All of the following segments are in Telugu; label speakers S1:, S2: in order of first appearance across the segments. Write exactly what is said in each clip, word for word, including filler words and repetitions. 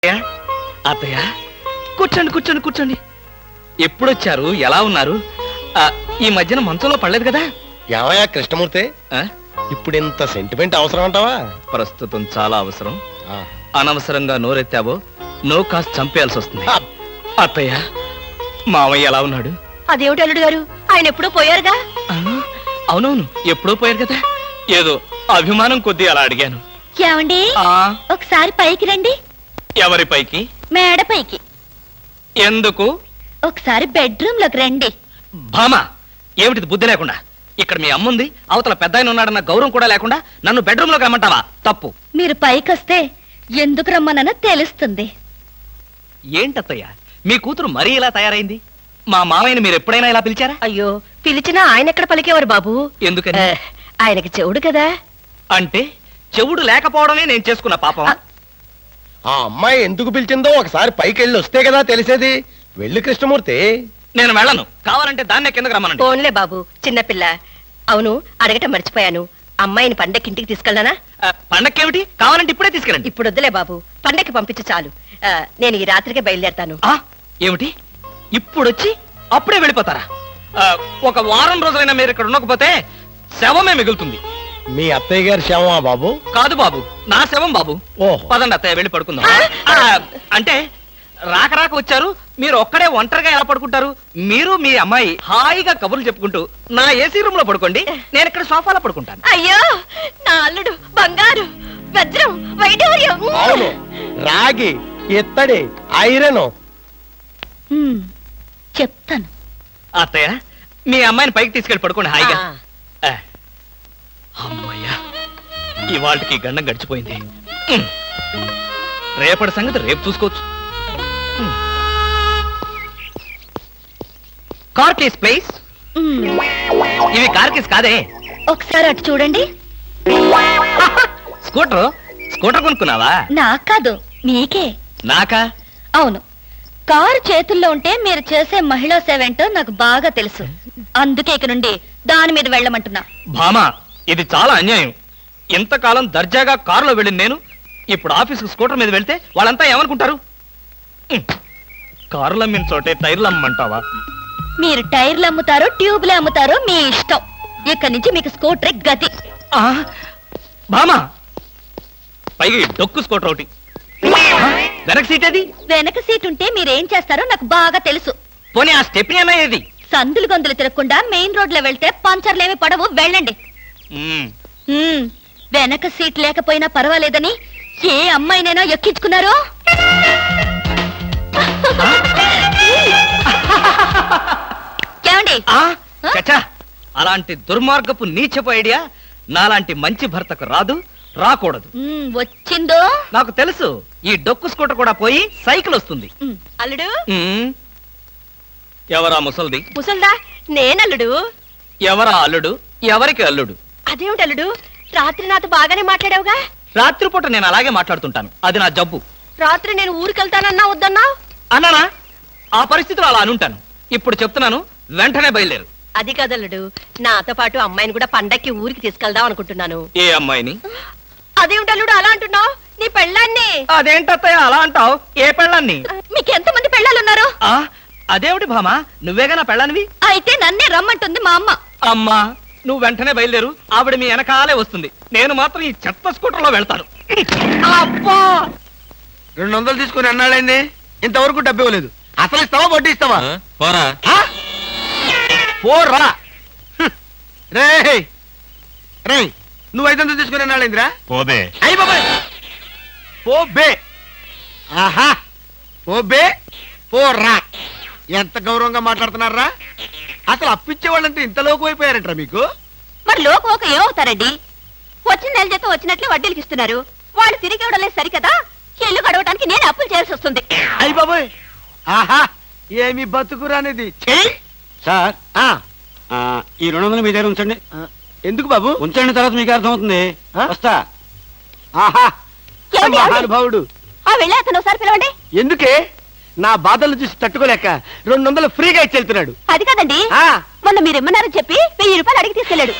S1: అత్తయ్య కూర్చోండి కూర్చోండి కూర్చోండి. ఎప్పుడొచ్చారు? ఎలా ఉన్నారు? ఈ మధ్యన మంచంలో పడలేదు కదా?
S2: ఏమయ్యా కృష్ణమూర్తి, ఇప్పుడు ఇంత సెంటిమెంట్ అవసరం అంటావా?
S1: ప్రస్తుతం చాలా అవసరం. అనవసరంగా నోరెత్తావో నో కాస్త చంపేయాల్సి వస్తుంది. అత్తయ్య, మావయ్య ఎలా ఉన్నాడు?
S3: అదేమిటి అల్లుడు గారు, ఆయన ఎప్పుడూ పోయారుగా?
S1: అవునవును, ఎప్పుడో పోయారు కదా. ఏదో అభిమానం కొద్దీ అలా అడిగాను.
S3: ఏమండి, ఒకసారి పైకి రండి.
S1: ఎవరి పైకి?
S3: మేడ పైకి.
S1: ఎందుకు?
S3: ఒకసారి బెడ్రూమ్ లోకి రండి.
S1: భామా, ఏమిటిది బుద్ధి లేకుండా? ఇక్కడ మీ అమ్ముంది, అవతల పెద్ద ఆయన ఉన్నాడన్న గౌరవం కూడా లేకుండా నన్ను బెడ్రూమ్ లోకి రమ్మంటావా? తప్పు.
S3: మీరు పైకొస్తే ఎందుకు రమ్మనో తెలుస్తుంది.
S1: ఏంటత్తయ్య, మీ కూతురు మరీ ఇలా తయారైంది? మా మామయ్యని మీరు ఎప్పుడైనా ఇలా పిలిచారా?
S3: అయ్యో, పిలిచినా ఆయన ఎక్కడ పలికేవారు బాబు?
S1: ఎందుకని?
S3: ఆయనకి చెవుడు కదా.
S1: అంటే చెవుడు లేకపోవడమే నేను చేసుకున్న పాపం.
S2: ఆ అమ్మాయి ఎందుకు పిలిచిందో ఒకసారి పైకి వెళ్ళి వస్తే కదా తెలిసేది. వెళ్ళి కృష్ణమూర్తి.
S1: నేను వెళ్ళను, కావాలంటే దాన్నే కిందకు రమ్మనండి.
S3: ఫోన్లే బాబు, చిన్నపిల్ల. అవును, అడగటం మర్చిపోయాను, అమ్మాయిని పండక్కి ఇంటికి తీసుకెళ్ళనా?
S1: పండక్కేమిటి? కావాలంటే ఇప్పుడే తీసుకెళ్ళండి.
S3: ఇప్పుడు వద్దులే బాబు, పండక్కి పంపించి చాలు. నేను ఈ రాత్రికే బయలుదేరతాను.
S1: ఏమిటి, ఇప్పుడొచ్చి అప్పుడే వెళ్ళిపోతారా? ఒక వారం రోజులైనా మీరు ఇక్కడ ఉండకపోతే శవమే మిగులుతుంది.
S2: మీ అత్తయ్య గారి శవమా బాబు?
S1: కాదు బాబు, నా శవం బాబు. పదండి అత్తయ్య, వెళ్ళి పడుకుందాం. అంటే రాక రాక వచ్చారు, మీరు ఒక్కడే ఒంటరిగా ఎలా పడుకుంటారు? మీరు మీ అమ్మాయి హాయిగా కబుర్లు చెప్పుకుంటూ నా ఏసీ రూమ్ లో పడుకోండి, నేను ఇక్కడ సోఫాలో పడుకుంటాను.
S3: అయ్యో, నా అల్లుడు బంగారు, వజ్రం, వైఢూర్యం.
S2: అవును, రాగి, ఇత్తడి, ఐరన్.
S3: చెప్తాను.
S1: అత్తయ్య, మీ అమ్మాయిని పైకి తీసుకెళ్ళి పడుకోండి హాయిగా. అమ్మయ్యా, ఇవాళకి గండం గడిచిపోయింది. రేపటి సంగతి రేపు చూసుకోవచ్చు. Car case please. ఇవి కార్ కేస్ కాదే.
S3: ఒకసారి అటు చూడండి.
S1: స్కూటర్ స్కూటర్ కొనుక్కున్నావా?
S3: నాకు కాదు, మీకే.
S1: నాకా?
S3: అవును, కారు చేతుల్లో ఉంటే మీరు చేసే మహిళా సేవ ఏంటో నాకు బాగా తెలుసు. అందుకే ఇక నుండి దాని మీద వెళ్ళమంటున్నా.
S1: భామా, ఇది చాలా అన్యాయం. ఇంతకాలం దర్జాగా కారులో వెళ్ళింది నేను, ఇప్పుడు ఆఫీసుకు స్కూటర్ మీద వెళ్తే వాళ్ళంతా ఏమనుకుంటారు? కారులు అమ్మిన చోటే టైర్లు అమ్మంటావా?
S3: మీరు టైర్లు అమ్ముతారో ట్యూబ్లు అమ్ముతారో మీ ఇష్టం. ఇక్కడి నుంచి మీకు స్కూటర్ గతి.
S1: భామా, పైగా డొక్కు స్కూటర్ ఒకటి. వెనక సీట్ ఏది?
S3: వెనక సీట్ ఉంటే మీరేం చేస్తారో నాకు బాగా తెలుసు.
S1: పోనీ ఆ స్టెప్నీ అన్నా ఏది?
S3: సందులు గొంతులు తిరగకుండా మెయిన్ రోడ్ లో వెళ్తే పంచర్లేమి పడవు, వెళ్ళండి. వెనక సీట్ లేకపోయినా పర్వాలేదని ఏ అమ్మాయినైనా ఎక్కించుకున్నారో?
S1: అలాంటి దుర్మార్గపు నీచపు ఐడియా నాలాంటి మంచి భర్తకు రాదు, రాకూడదు.
S3: వచ్చిందో
S1: నాకు తెలుసు. ఈ డొక్కు స్కూటర్ కూడా పోయి సైకిల్ వస్తుంది.
S3: అల్లుడు,
S1: ఎవరా ముసల్ది?
S3: ముసల్దా? నేనల్లుడు.
S1: ఎవరా అల్లుడు? ఎవరికి అల్లుడు?
S3: అదేమిటి అల్లుడు, రాత్రి నాతో బాగానే మాట్లాడావుగా?
S1: రాత్రిపూట నేను అలాగే మాట్లాడుతుంటాను, అది నా జబ్బు.
S3: రాత్రి నేను ఊరికెళ్తానన్నా వద్దన్నా?
S1: అన్నానా? ఆ పరిస్థితిలో అలా అనుంటాను. ఇప్పుడు చెప్తున్నాను, వెంటనే బయలుదేరు.
S3: అది కదల్లుడు, నాతో పాటు అమ్మాయిని కూడా పండక్కి ఊరికి తీసుకెళ్దాం అనుకుంటున్నాను.
S1: ఏ అమ్మాయిని?
S3: అదేమిటి అల్లుడు అలా అంటున్నావు? నీ పెళ్ళాన్ని.
S1: అదేంటత్తయ్య అలా అంటావు? ఏ పెళ్ళాన్ని?
S3: మీకు ఎంత మంది పెళ్ళాలున్నారు?
S1: అదేమిటి భామా, నువ్వేగా నా పెళ్ళానివి?
S3: అయితే నన్నే రమ్మంటుంది మా అమ్మ.
S1: అమ్మా, నువ్వు వెంటనే బయలుదేరు, ఆవిడ మీ వెనకాలే వస్తుంది. నేను మాత్రం ఈ చెత్త స్కూటర్ లో వెళ్తాను.
S2: అబ్బా, రెండు వందలు తీసుకుని అన్నాడైంది, ఇంతవరకు డబ్బు ఇవ్వలేదు. అసలు ఇస్తావా వడ్డీ ఇస్తావా?
S1: పోరా
S2: పోరా. రే రే, నువ్వు ఐదు వందలు తీసుకుని అన్నాడైందిరా?
S1: పోబే.
S2: అయ్యి బాబాయ్, పోబే. ఆహా, పోబే పోరా. ఎంత గౌరవంగా మాట్లాడుతున్నారా? అసలు అప్పిచ్చే వాళ్ళంతా ఇంత లోకు అయిపోయారంటారా మీకు?
S3: మరి లోకు ఒక ఏమవుతారండి? వచ్చిన నెల జీతం వచ్చినట్లే వడ్డీలకి ఇస్తున్నారు. వాళ్ళు తిరిగి ఇవ్వడం లేదు సరికదా, ఇల్లు గడవడానికి నేను అప్పులు చేయాల్సి వస్తుంది.
S2: అయ్యి బాబోయ్, ఆహా, ఏమి బతుకురానిది.
S4: సార్, ఈ రెండు వందలు మీ దగ్గర ఉంచండి.
S2: ఎందుకు బాబు?
S4: ఉంచండి, తర్వాత మీకు అర్థమవుతుంది. వస్తా.
S2: ఆహా, మహానుభావుడు.
S3: వెళ్ళి అతను ఒకసారి పిలవండి.
S2: ఎందుకే? నా బాధలు చూసి తట్టుకోలేక రెండు వందలు ఫ్రీగా ఇచ్చి వెళ్తున్నాడు.
S3: అది కదండి, మొన్న మీరు ఇమ్మన్నారని చెప్పి వెయ్యి రూపాయలు అడిగి తీసుకెళ్ళాడు.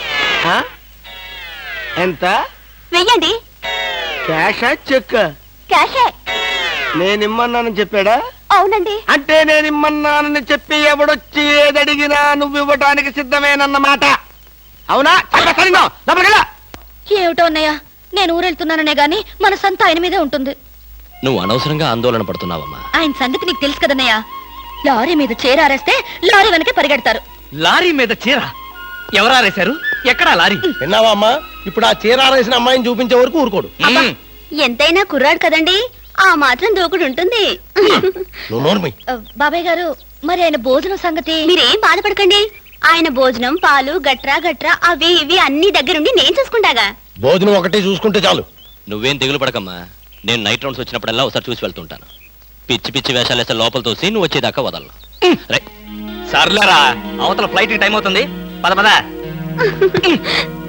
S2: ఎంత?
S3: వెయ్యండి.
S2: క్యాషా చెక్?
S3: క్యాషే.
S2: నేను ఇమ్మన్నానని చెప్పాడా?
S3: అవునండి.
S2: అంటే నేను ఇమ్మన్నానని చెప్పి ఎవడొచ్చి ఏదడిగినా నువ్వు ఇవ్వటానికి సిద్ధమేనన్నమాట. అవునా? చెప్పేస్తాను. లోపలికెళ్ళు.
S3: ఏమిటో అన్నయ్య, నేను ఊరెళ్తున్నాననే గాని మనసంతా ఆయన మీదే ఉంటుంది.
S1: నువ్వు అనవసరంగా ఆందోళన పడుతున్నావమ్మా.
S3: ఆయన సంగతి నీకు తెలుసు కదన్నయ్య. లారీ మీద చేరారేస్తే లారీ వెనకే పరిగెడతారు.
S1: లారీ మీద చీర ఎవరారేశారు? ఎక్కడా లారీ?
S2: విన్నావా అమ్మా? ఇప్పుడు ఆ చీరారేసిన అమ్మాయిని చూపించే వరకు ఊరుకోడు.
S1: మ్మ్.
S3: ఎంతైనా కుర్రాడు కదండి, ఆ మాత్రం దూకుడు ఉంటుంది.
S2: నువ్వు నోర్మి.
S3: బాబాయ్ గారు, మరి ఆయన భోజనం సంగతి? మీరేం బాధపడకండి. ఆయన భోజనం, పాలు, గట్రా గట్రా అవి ఇవి అన్ని దగ్గరుండి నేను చూసుకుంటాగా.
S2: భోజనం ఒకటి చూసుకుంటే చాలు.
S1: నువ్వేం దిగులు పడకమ్మా. నేను నైట్ రౌండ్స్ వచ్చినప్పుడల్లా ఒకసారి చూసి వెళ్తుంటాను. పిచ్చి పిచ్చి వేషాలు వేస్తే లోపల తోసి నువ్వు వచ్చేదాకా వదలను. సర్లేరా, అవతల ఫ్లైట్ టైం అవుతుంది. పద పద.